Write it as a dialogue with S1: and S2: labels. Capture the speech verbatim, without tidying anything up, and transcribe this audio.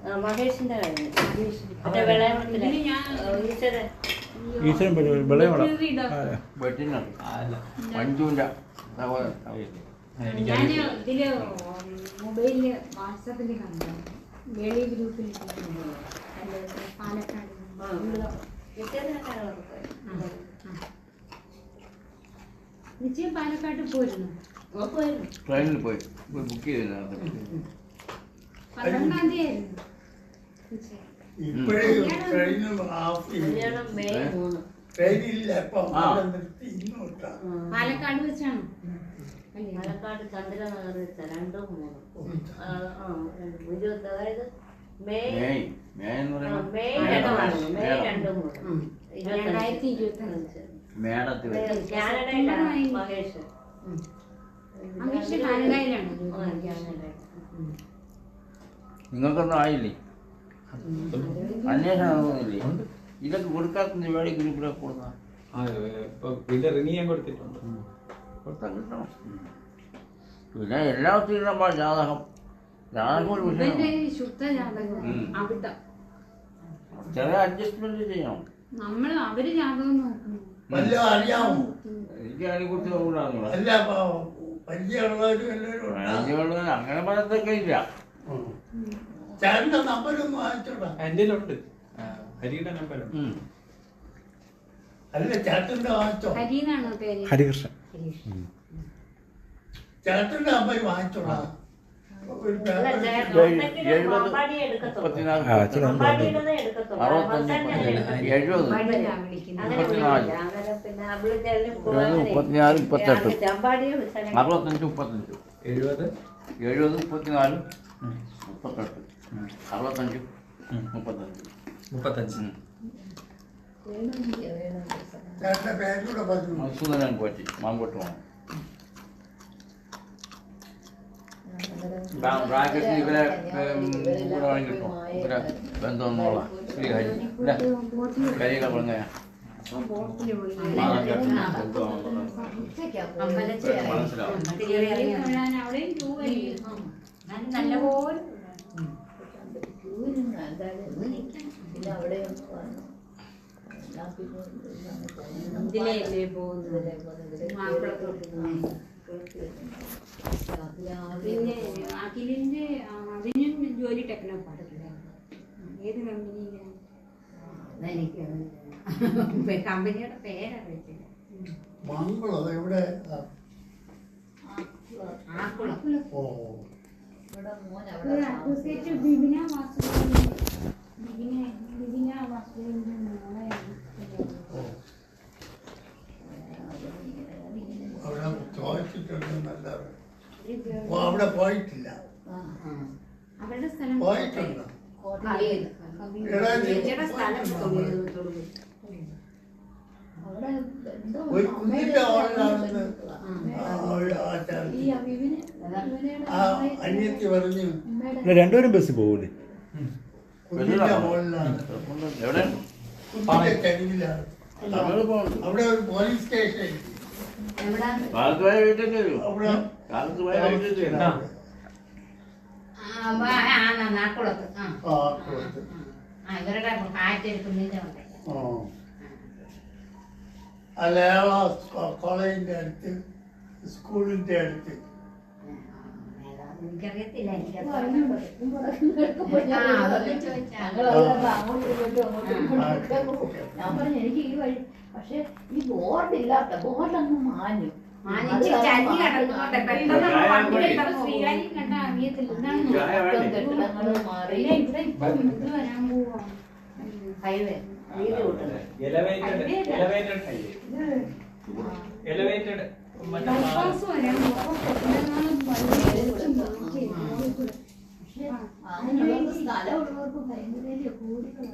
S1: മഹേഷിന്റെ കഴിഞ്ഞു. മറ്റേ വിളയത്തില് ഈശ്വരൻ
S2: ഈശ്വരൻ വിളയവള
S3: മഞ്ജുവിന്റെ
S4: ഞാൻ ഇതില് മൊബൈലില് വാട്സാപ്പില് കണ്ടു. വേളി ഗ്രൂപ്പിൽ പാലക്കാട് വിജയം പാലക്കാട് പോയിരുന്നു.
S3: ട്രെയിനിൽ പോയി ബുക്ക് ചെയ്തില്ല.
S4: പന്ത്രണ്ടാം തീയതി ആയിരുന്നു. പാലക്കാട് വെച്ചാണ്.
S1: പാലക്കാട് ചന്ദ്രനഗർ വെച്ച രണ്ടോ മൂന്നോ ഇരുപത്തി അതായത് മെയ് മെയ് രണ്ടോ മൂന്നോ
S4: രണ്ടായിരത്തി ഇരുപത്തി അഞ്ച്
S3: മേടത്തിൽ
S1: കാനഡയിലാണ് മഹേഷ്.
S4: മഹേഷ് കാനഡയിലാണ്.
S3: നിങ്ങൾക്കൊന്നും ആയില്ലേ? അന്വേഷണമൊന്നുമില്ലേ? ഇതൊക്കെ കൊടുക്കാത്ത വേടി ഗ്രൂപ്പിലെ കൊടുക്കാം.
S2: ഇത് റിന്യൂ കൊടുത്തിട്ടുണ്ട്.
S3: കൊടുത്താൽ കിട്ടണം. പിന്നെ എല്ലാവർക്കും ഇടുമ്പോൾ ജാതകം ജാതകം ഒരു
S4: ശുദ്ധ ജാതകം അവിട്ടം
S3: ചെറിയ അഡ്ജസ്റ്റ്മെന്റ് ചെയ്യണം.
S4: നമ്മള് അവര് ജാതകം നോക്കുന്നു.
S3: എനിക്ക് അതിനെക്കുറിച്ച് നോക്കാനുള്ള അങ്ങനെ പറയത്തൊക്കെ ഇല്ല.
S2: എന്റെ ഉണ്ട് ഹരിയുടെ നമ്പർ.
S4: ഹരിന്നാണോ പേര്?
S2: ഹരികൃഷ്ണൻ.
S3: ചേട്ടന്റെ നമ്പർ വാങ്ങിച്ചോളാം. മുപ്പത്തിനാല് മുപ്പത്തെട്ട് അറുപത്തഞ്ച് മുപ്പത്തഞ്ച് എഴുപത് എഴുപത് മുപ്പത്തിനാല് മുപ്പത്തെട്ട് അറുപത്തഞ്ച് മുപ്പത്തഞ്ച് മുപ്പത്തഞ്ച് മധുസൂദനൻ പോറ്റി മാങ്കോട്ട് പോകണം. ബ്രാക്കറ്റിൽ ഇവരെ കൂടെ വേണമെങ്കിൽ കിട്ടും. ഇവരെ ബന്ധമൊന്നുമുള്ള ശ്രീ ഹരി കരിയില പറഞ്ഞ മനസ്സിലാവും.
S4: നല്ലപോലെ ഇതിലേ പോകുന്നത് പിന്നെ അഖിലിന്റെ അതിനും ജോലി ടെക്നോ പാടില്ല. ഏത് കമ്പനിയിലാണ്? കമ്പനിയുടെ പേരാ വിളിച്ചില്ല. അഡ്വക്കേറ്റ് ബിബിന വാസുദേവൻ ബിബിന ബിബിന വാസുദേവന്റെ മോളെയാണ്.
S5: അവിടെ പോയിട്ടില്ല.
S4: അവരുടെ സ്ഥലം
S5: പോയിട്ടുണ്ട്. ഒരു കുഞ്ഞിന്റെ ഹോളിലാണെന്ന് അനിയത്തി പറഞ്ഞു.
S2: രണ്ടുപേരും ബസ്സിൽ പോകൂലേ?
S5: കുഞ്ഞിന്റെ ഹോളിലാണ്, കുഞ്ഞിന്റെ ചരിവിലാണ്. അവിടെ ഒരു പോലീസ് സ്റ്റേഷൻ.
S4: ഇവരുടെ കാറ്റെടുക്കുന്നതിന്റെ
S5: അല്ല കോളേജിന്റെ അടുത്ത് സ്കൂളിന്റെ അടുത്ത്.
S4: എനിക്കറിയത്തില്ല.
S6: ഞാൻ പറഞ്ഞു എനിക്ക് ഈ വഴി, പക്ഷെ ഈ ബോർഡില്ലാത്ത ബോർഡങ്ങ് മാഞ്ഞു.
S4: ഹൈവേ
S6: സ്ഥലമുള്ളവർക്ക് ഭയങ്കര കൂടുതലാണ്.